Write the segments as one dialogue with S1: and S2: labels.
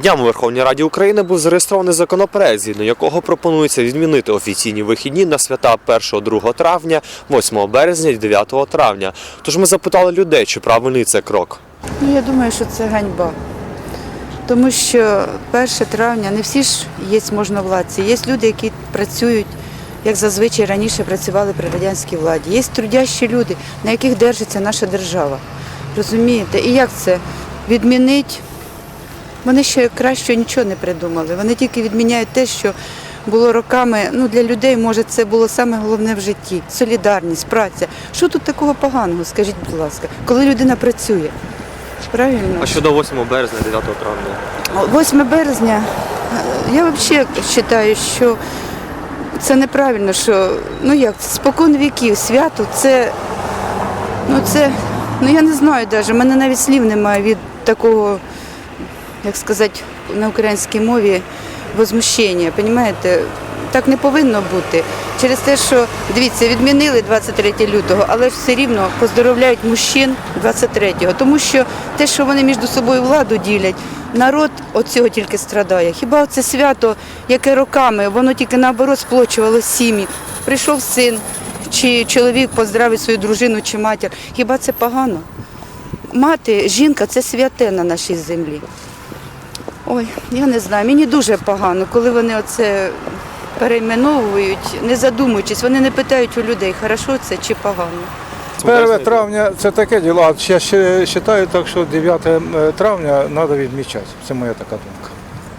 S1: Днями у Верховній Раді України був зареєстрований законопроект, згідно якого пропонується відмінити офіційні вихідні на свята 1-2 травня, 8 березня і 9 травня. Тож ми запитали людей, чи правильний це крок.
S2: Я думаю, що це ганьба. Тому що 1 травня не всі ж є можновладці. Є люди, які працюють, як зазвичай раніше працювали при радянській владі. Є трудящі люди, на яких держиться наша держава. Розумієте? І як це? Відмінить? Вони ще краще нічого не придумали. Вони тільки відміняють те, що було роками, для людей, може, це було саме головне в житті. Солідарність, праця. Що тут такого поганого, скажіть, будь ласка, коли людина працює? Правильно?
S1: А щодо 8 березня, 9 травня?
S2: 8 березня, я взагалі вважаю, що це неправильно, що, спокон віків, свято, я не знаю навіть, в мене навіть слів немає від такого, як сказати, на українській мові, возмущення, розумієте? Так не повинно бути. Через те, що, дивіться, відмінили 23 лютого, але все рівно поздоровляють мужчин 23-го. Тому що те, що вони між собою владу ділять, народ від цього тільки страдає. Хіба це свято, яке роками, воно тільки наоборот сплочувало сім'ї. Прийшов син, чи чоловік поздравить свою дружину чи матір. Хіба це погано? Мати, жінка – це святе на нашій землі. Ой, я не знаю, мені дуже погано, коли вони оце перейменовують, не задумуючись, вони не питають у людей, хорошо це чи погано.
S3: 1 травня – це таке діло, а я ще вважаю так, що 9 травня треба відмічати. Це моя така думка.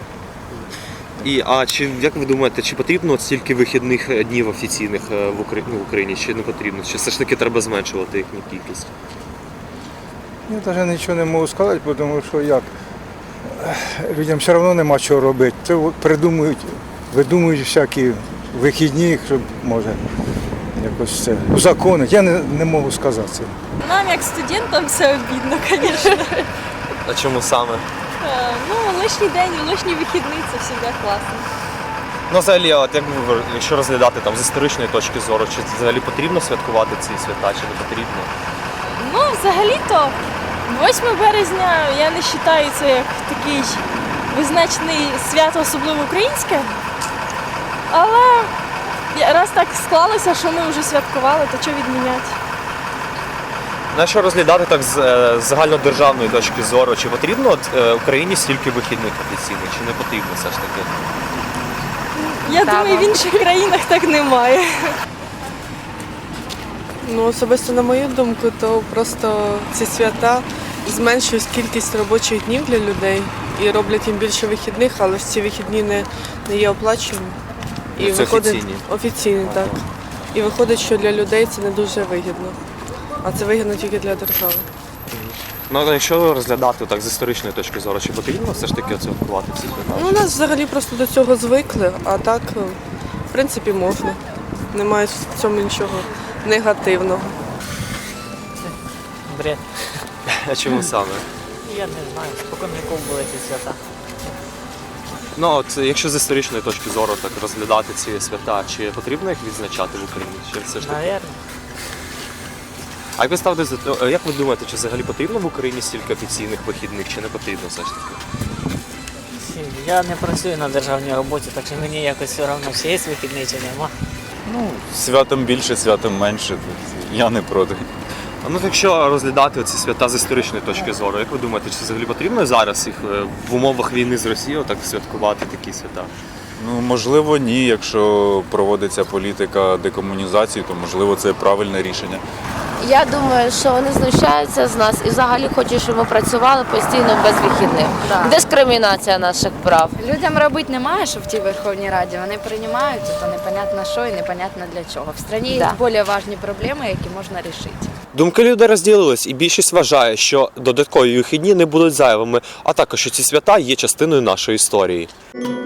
S1: Як ви думаєте, чи потрібно стільки вихідних днів офіційних в Україні, чи не потрібно? Чи все ж таки треба зменшувати їхню кількість?
S3: Я навіть нічого не можу сказати, тому що людям все одно нема чого робити. Це видумують всякі вихідні, щоб може якось це узаконити. Я не можу сказати це.
S4: Нам, як студентам, все обідно, звісно.
S1: А чому саме?
S4: Лишній день, лишній вихідний – це завжди класно.
S1: Взагалі, якщо розглядати з історичної точки зору, чи взагалі потрібно святкувати ці свята, чи не потрібно?
S4: Взагалі-то 8 березня я не вважаю це як такий визначений свято, особливо українське. Але раз так склалося, що ми вже святкували, то що відміняти?
S1: Якщо розглядати так з загальнодержавної точки зору, чи потрібно Україні стільки вихідних офіційних, чи не потрібно все ж таки?
S4: Я думаю, в інших країнах так немає.
S5: Особисто на мою думку, то просто ці свята зменшують кількість робочих днів для людей і роблять їм більше вихідних, але ці вихідні не є оплачені. І
S1: це офіційні?
S5: Офіційні, так. І виходить, що для людей це не дуже вигідно, а це вигідно тільки для держави.
S1: Якщо розглядати так з історичної точки зору, чи потрібно все ж таки святкувати ці свята?
S5: У нас взагалі просто до цього звикли, а так, в принципі, можна. Немає в цьому нічого негативного.
S6: Бред.
S1: А чому саме?
S6: Я не знаю, спокон віков були ці свята.
S1: Якщо з історичної точки зору так розглядати ці свята, чи потрібно їх відзначати в Україні? Чи все ж таки?
S6: Навірно.
S1: А як ви думаєте, чи взагалі потрібно в Україні стільки офіційних вихідних, чи не потрібно все ж таки?
S6: Я не працюю на державній роботі, так що мені якось все одно, чи є вихідний, чи нема.
S7: Святом більше, святом менше, я не проти.
S1: Якщо розглядати ці свята з історичної точки зору, як ви думаєте, чи взагалі потрібно зараз їх в умовах війни з Росією так святкувати такі свята?
S7: Можливо, ні. Якщо проводиться політика декомунізації, то можливо це правильне рішення.
S8: Я думаю, що вони знущаються з нас і взагалі хочуть, щоб ми працювали постійно без вихідних.
S9: Да.
S8: Дискримінація наших прав.
S9: Людям робити немає, що в тій Верховній Раді. Вони приймають, то непонятно що і непонятно для чого. В країні є більш важливі проблеми, які можна вирішити.
S1: Думки людей розділились, і більшість вважає, що додаткові вихідні не будуть зайвими, а також що ці свята є частиною нашої історії.